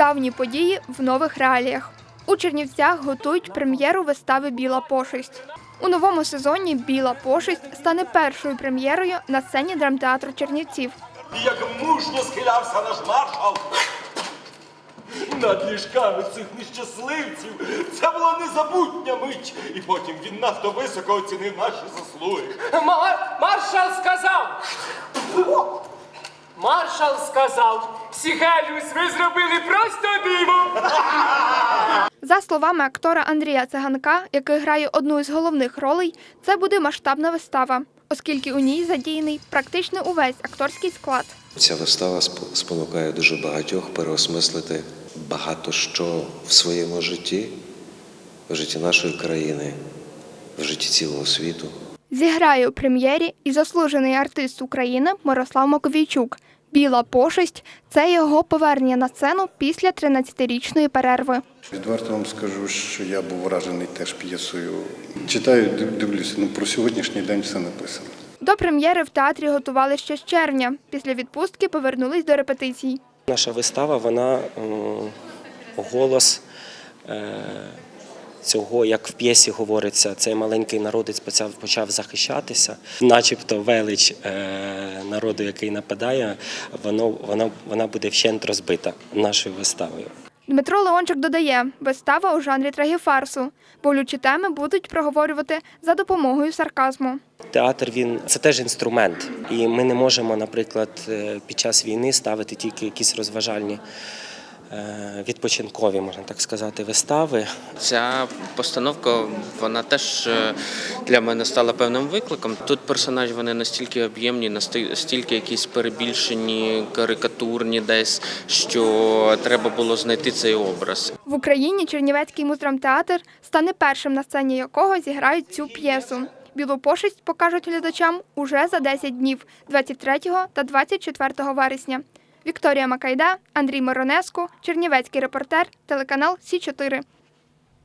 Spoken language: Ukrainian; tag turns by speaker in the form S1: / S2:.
S1: Давні події в нових реаліях. У Чернівцях готують прем'єру вистави «Біла пошесть». У новому сезоні «Біла пошесть» стане першою прем'єрою на сцені драмтеатру Чернівців.
S2: Як мужньо схилявся наш маршал над ліжками цих нещасливців. Це була незабутня мить. І потім він надто високо оцінив наші заслуги.
S3: Маршал сказав, Сігеліус, ви зробили просто диво.
S1: За словами актора Андрія Циганка, який грає одну із головних ролей, це буде масштабна вистава, оскільки у ній задіяний практично увесь акторський склад.
S4: Ця вистава спонукає дуже багатьох переосмислити багато що в своєму житті, в житті нашої країни, в житті цілого світу.
S1: Зіграє у прем'єрі і заслужений артист України Мирослав Маковійчук. «Біла пошесть» – це його повернення на сцену після 13-річної перерви.
S5: Відверто вам скажу, що я був вражений теж п'єсою. Читаю, дивлюся, про сьогоднішній день все написано.
S1: До прем'єри в театрі готували ще з червня. Після відпустки повернулись до репетицій.
S6: Наша вистава, вона голос цього, як в п'єсі говориться, цей маленький народець почав захищатися. Начебто велич народу, який нападає, вона буде вщент розбита нашою виставою.
S1: Дмитро Леончик додає, вистава у жанрі трагіфарсу. Болючі теми будуть проговорювати за допомогою сарказму.
S6: Театр – це теж інструмент. І ми не можемо, наприклад, під час війни ставити тільки якісь розважальні, відпочинкові, можна так сказати, вистави.
S7: Ця постановка, вона теж для мене стала певним викликом. Тут персонажі, вони настільки об'ємні, настільки якісь перебільшені, карикатурні десь, що треба було знайти цей образ.
S1: В Україні Чернівецький муздрамтеатр стане першим, на сцені якого зіграють цю п'єсу. «Білу пошесть» покажуть глядачам уже за 10 днів – 23 та 24 вересня. Вікторія Макайда, Андрій Миронеску, Чернівецький репортер, телеканал Сі 4.